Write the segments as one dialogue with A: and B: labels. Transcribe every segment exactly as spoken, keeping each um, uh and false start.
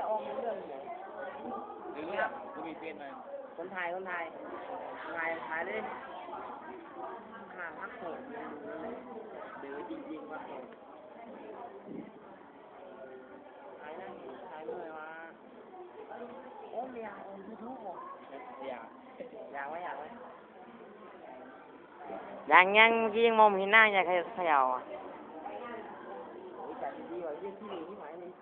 A: ออมเรื่องไหน
B: หรือเนี่ยกูมีเฟซมา
A: คนไทยคนไทยไทยไทยเลยขาพักโหดเดี๋ยวจริงๆว่าโหดไทยนั่นไทยเมื่อวาโอ้ยอยากอมทุกทุกหมดอยากอยากไว้อยากไว้
C: ยังยังเมื่อกี้ยังมองเห็นหน้าอยากเขย่าอ่ะ
A: โอ้ยแต่ดีกว่าเยี่ยที่หนึ่งที่หมายเลย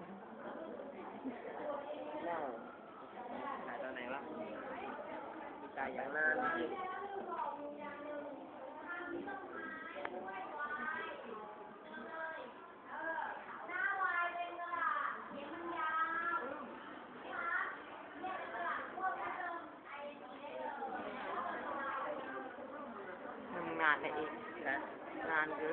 A: น่าถ่ายตอนไหนวะถ่ายอย่างนานจริง
C: งานเลยเองงานคือ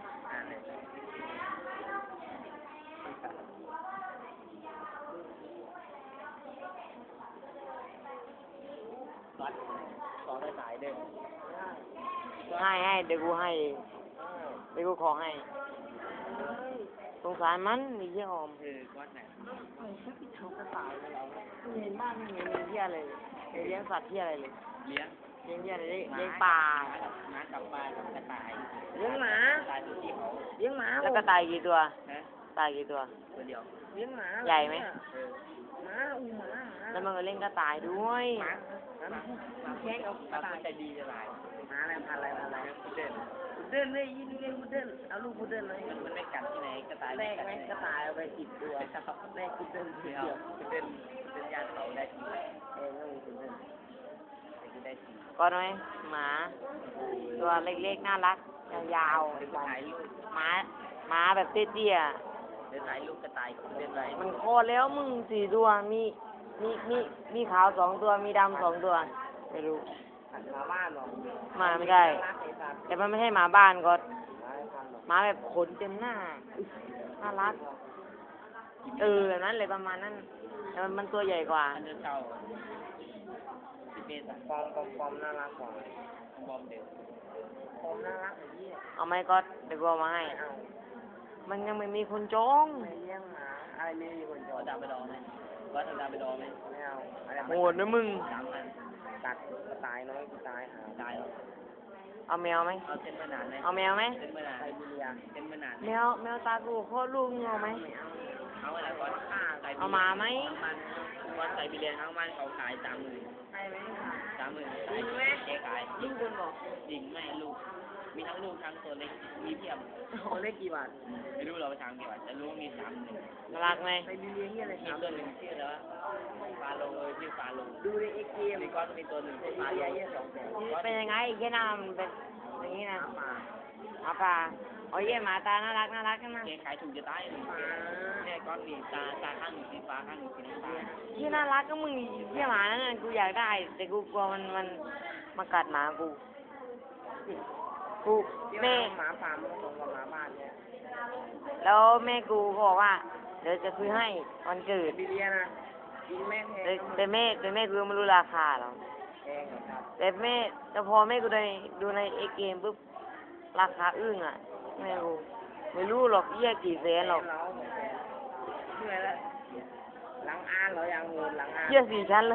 A: วัดสอนได้สายเด้อ
C: ให้ให้เดี๋ยวกูให้เดี๋ยวกูขอให้สงสารมันมีเยี่ยอม
A: เออวัดไหน
C: ไม่ใช่พี่ชกกระต่ายเลยไม่เห็นบ้านไม่เห็นมีเยี่ยอะไรเลยเลี้ยงสัตว์เยี่ยอะไรเลย
B: เลี้ยง
C: เลี้ยงเยี่ยอะไรเลี้ยงปลา
B: หมากับปลากับกระต่าย
C: เลี้ยงหมา
B: ตายตัวที่เขา
A: เลี้ยงหมา
C: แล้วกระต่ายกี่ตัว
B: ฮะ
C: ตายกี่ตัว
B: ตัวเดียว
A: เลี้ยงหมา
C: ใหญ่ไหม
B: เออ
A: หมาอูหมา
C: แล้วมันก็เล่นกระต่ายด้วย
A: หมาหมาแข่งเอา
B: ปลาก็ใจดีจะหลาย
A: หมาอะไรพันอะไรพันอะไร
B: พุดเดิ้ล
A: พุดเดิ้ลเลยยินเลี้ยงพุดเดิ้ลเอาลูกพุดเดิ้ลเลย
B: มันมันไม่กัดที่ไหนกระต่าย
A: แรก
B: กัด
A: ไหม
B: ที่ไหน
A: กระต่ายเอาไปสิบตัวแรกพุดเดิ้ลที
B: เดี
A: เดี
B: ย
A: ยว ว
B: พุดเดิ้ลเป็นญาติเขาได้ที
A: เองก็มีพุดเดิ้ล
B: แต่กูได้ที
C: ก็น้อยหมา ตัวเล็กๆน่ารักยาว
B: เดี๋ยวกูถ่ายรูป
C: ๆหมาหมาแบบเตี้ย
B: เดี๋ยวถ่ายรูปกระต่ายกับพุดเดิ้ลไว้
C: ๆมันโคตรแล้วมึงสี่ตัวมีมีมีมีขาวสองตัวมีดำสองตัวไม่รู้
A: หันมาบ้านหรอ
C: มาไม่ได้
A: รักไอ้สัตว์
C: แต่มันไม่ใช่หมาบ้านก็
A: หมาไอ้พันหรอ
C: หมาแบบขนเต็มหน้าน่ารักเออแบบนั้นเลยประมาณนั้นแต่มันมันตัวใหญ่กว่า
B: อันเดอร์เช่าสิบเมตรอะ
A: ปอมปอมปอมน่ารักกว่า
B: บอมเด็ก
A: ปอมน่ารักไอ้เหี้ย
C: เอาไหมก็เดี๋ยวกูเอามาให้
A: ไม่เอา
C: มันยังไม่มีคนจอง
A: ไม่เลี้ยงหมาอะไรไม่มีคนจอ
B: เอา
A: ด
B: ดาวไปดองไหมวัดเอาดาวไปดองไหม
A: ไม่เอาอะไร
C: โหดนะมึง
B: สามพัน
A: ตัดกระต่ายน้อยกระต่ายหา
B: ได้เหรอ
C: เอาแมวไหม
B: เอาเส้นมานานไหม
C: เอาแมวไหม
B: เส้นมานาน
A: ไซบีเรีย
B: เส้นมานานไหม
C: แมวแมวตากูโคตรลูกมึงเอาไหม
A: ไม่เอา
B: เอาอะไรก่อนใส่
C: เอามาไหม
B: มันวัดใส่ไปเรียนทั้งมันเขาขายสามหมื่น
A: ใช่ไหมค่ะ
B: สามหมื่นขายแกขาย
A: ลูกคนบอก
B: จริงไม่ลูก มีทั้งลูกทั้งตัวเล็ก มีเพียบ
A: โอ้เลขกี่บาท
B: ไม่รู้เราไปทางกี่บาทแต่ลูกมีสามหมื่น
C: น่ารักไหม
A: ไซบีเรียนี่อะไร
B: มี
A: ครับ
B: ตัวหนึ่งชื่อแล้วฟาโลเลยชื่อฟาโล
A: ดูในเอ็กเกม
B: มีก้อนมีตัวหนึ่ง
A: ไซ
B: ชื่อ
A: บี
B: ฟาโล
A: เรียเยี่ยสองแสน
C: เป็นยังไงแค่หน้ามันเป็นอย่างนี้นะ
A: หมา
C: เอาปลาเอาเยี่ยหมาตาน่ารักน่ารักกันนะ
B: แกขายถูกจะตายเลยเนี่ยก้อนมีตาตาข้างหนึ่งสีฟ้าข้างหนึ่งสีน้ำตาล
C: ที่น่ารักก็มึงเยี่ยหมานั่นน่ะกูอยากได้ แต่กูกลัวมันมันมากัดหมากูกู
A: ที่
C: แม่
A: หมาฟาร์มมันผสมกับหมาบ้านเนี่ย
C: แล้วแม่กูก็บอกว่าเดี๋ยวจะซื้อให้วันเกิ
A: ไซ
C: ด
A: บีเรียนะกินแม่แพ
C: แต่
A: ง
C: แต่แม่แต่แม่กูไม่รู้ราคาหรอก
A: แพงเหรอครับ
C: แต่แม่แต่พอแม่กูได้ดูในเอเกมปุ๊บราคาอึ้งอ่ะแม่กูไม่รู้หรอกเยี่ยกี่แสนหรอก
A: เราเหนื่อยแล้วหลังอ่านเหรอยังเงินหลังอ่าน
C: เยี่ยสี่ชั้นเลย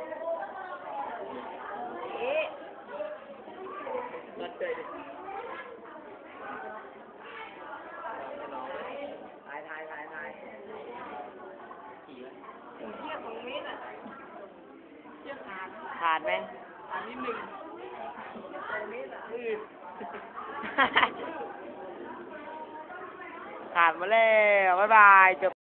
A: เอ๊ะ
B: เงินเดือน
A: ถ่ายถ่ายถ่ายถ่าย
B: ขี่ไว้
A: เทียบของเมตรอ่ะเทียบขาด
C: ขาดไหม
A: ขาดนิดหนึ่งสองเมตรอ่ะอือ
C: ขาดมาแล้วบ๊ายบายจบ